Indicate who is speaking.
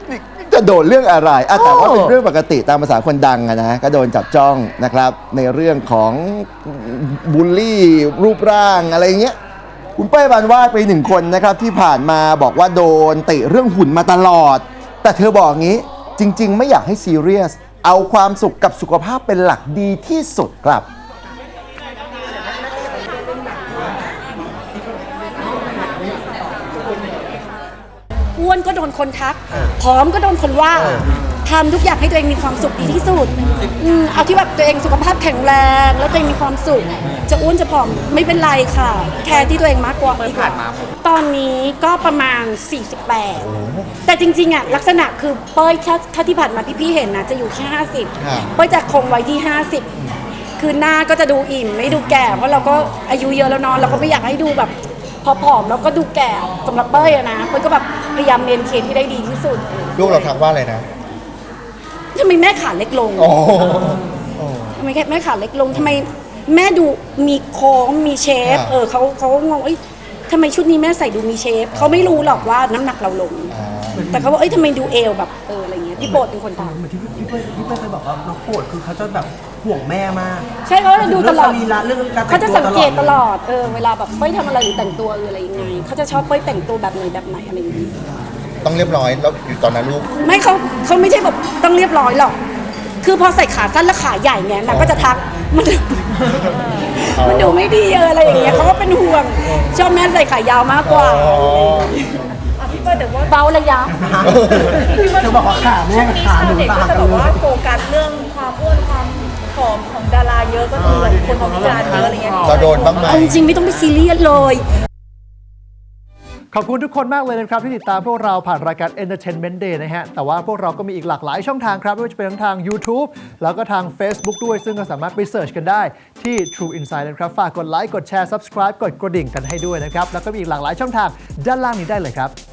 Speaker 1: จะโดนเรื่องอะไรแต่ว่าเป็นเรื่องปกติตามภาษาคนดังนะก็โดนจับจ้องนะครับในเรื่องของบูลลี่รูปร่างอะไรเงี้ยคุณเป้ยปานวาดไปหนึ่งคนนะครับที่ผ่านมาบอกว่าโดนติเรื่องหุ่นมาตลอดแต่เธอบอกงี้จริงๆไม่อยากให้ซีเรียสเอาความสุขกับสุขภาพเป็นหลักดีที่สุดครับ
Speaker 2: อ้วนก็โดนคนทักผอมก็โดนคนว่าทำทุกอย่างให้ตัวเองมีความสุขดีที่สุดเอาที่แบบตัวเองสุขภาพแข็งแรงแล้วตัวเองมีความสุขจะอ้วนจะผอมไม่เป็นไรค่ะแคร์ที่ตัวเองมากกว่าดีกว่าตอนนี้ก็ประมาณ48แต่จริงๆอ่ะลักษณะคือเป้ยถ้าที่ผ่านมาพี่ๆเห็นนะจะอยู่แค่50เป้ยจะคงไว้ที่50คือหน้าก็จะดูอิ่มไม่ดูแก่เพราะเราก็อายุเยอะแล้วนอนเราก็ไม่อยากให้ดูแบบผอมแล้วก็ดูแก่สำหรับเป้ยอะนะเป้ยก็แบบพยายามเมนเทนที่ได้ดีที่สุด
Speaker 3: ลูกเราทักว่าอะไรนะ
Speaker 2: ทำไมแม่ขาเล็กลงทำไมแม่ขาเล็กลงทำไมแม่ดูมีโค้งมีเชฟเขางงทำไมชุดนี้แม่ใส่ดูมีเชฟเขาไม่รู้หรอกว่าน้ำหนักเราลงแต่เขาบอกทำไมดูเอวแบบอะไรเงี้ยพี่โปรดเป็นคนทำ
Speaker 4: เหมือนที่พี่เป้ยเคยบอกว่าน้องโปรดคือเขาจะแบบห่วงแม่มาก
Speaker 2: ใช่เขาจะดูตลอด
Speaker 4: เรื่องการ
Speaker 2: เขาจะสังเกตตลอดเวลาแบบเป้ยทำอะไรหรือแต่งตัวอะไรยังไงเขาจะชอบเป้ยแต่งตัวแบบไหนอะไรอย่างเงี้ย
Speaker 3: ต้องเรียบร้อยแล้วอยู่ตอนนั้นลูก
Speaker 2: ไม่เขาไม่ใช่แบบต้องเรียบร้อยหรอกคือพอใส่ขาสั้นและขาใหญ่เนี่ยนางก็จะทักมันดูไม่ดีอะไรอย่างเงี้ยเขาก็เป็นห่วงชอบแม่ใส่ขายาวมากกว่า
Speaker 5: พี่เป้ยแต่ว่า
Speaker 2: เบาระยะ
Speaker 4: เธอบอกว่าขาแม่กับขาหนูต่างกันเลย
Speaker 5: ก็จะบอกว่าโฟกัสเรื่องความอ้วนความผอมของดาราเยอะก็คือแบบคนของวิจารณ์เยอะอะไรเงี้ย
Speaker 3: เราโดนบ้างไหม
Speaker 2: จริงๆไม่ต้องไปซีเรียสเลย
Speaker 6: ขอบคุณทุกคนมากเลยนะครับที่ติดตามพวกเราผ่านรายการ Entertainment Day นะฮะแต่ว่าพวกเราก็มีอีกหลากหลายช่องทางครับไม่ว่าจะเป็นทั้งทาง YouTube แล้วก็ทาง Facebook ด้วยซึ่งก็สามารถไปเสิร์ชกันได้ที่ True Insight นะครับฝากกดไลค์กดแชร์ Subscribe กดกระดิ่งกันให้ด้วยนะครับแล้วก็มีอีกหลากหลายช่องทางด้านล่างนี้ได้เลยครับ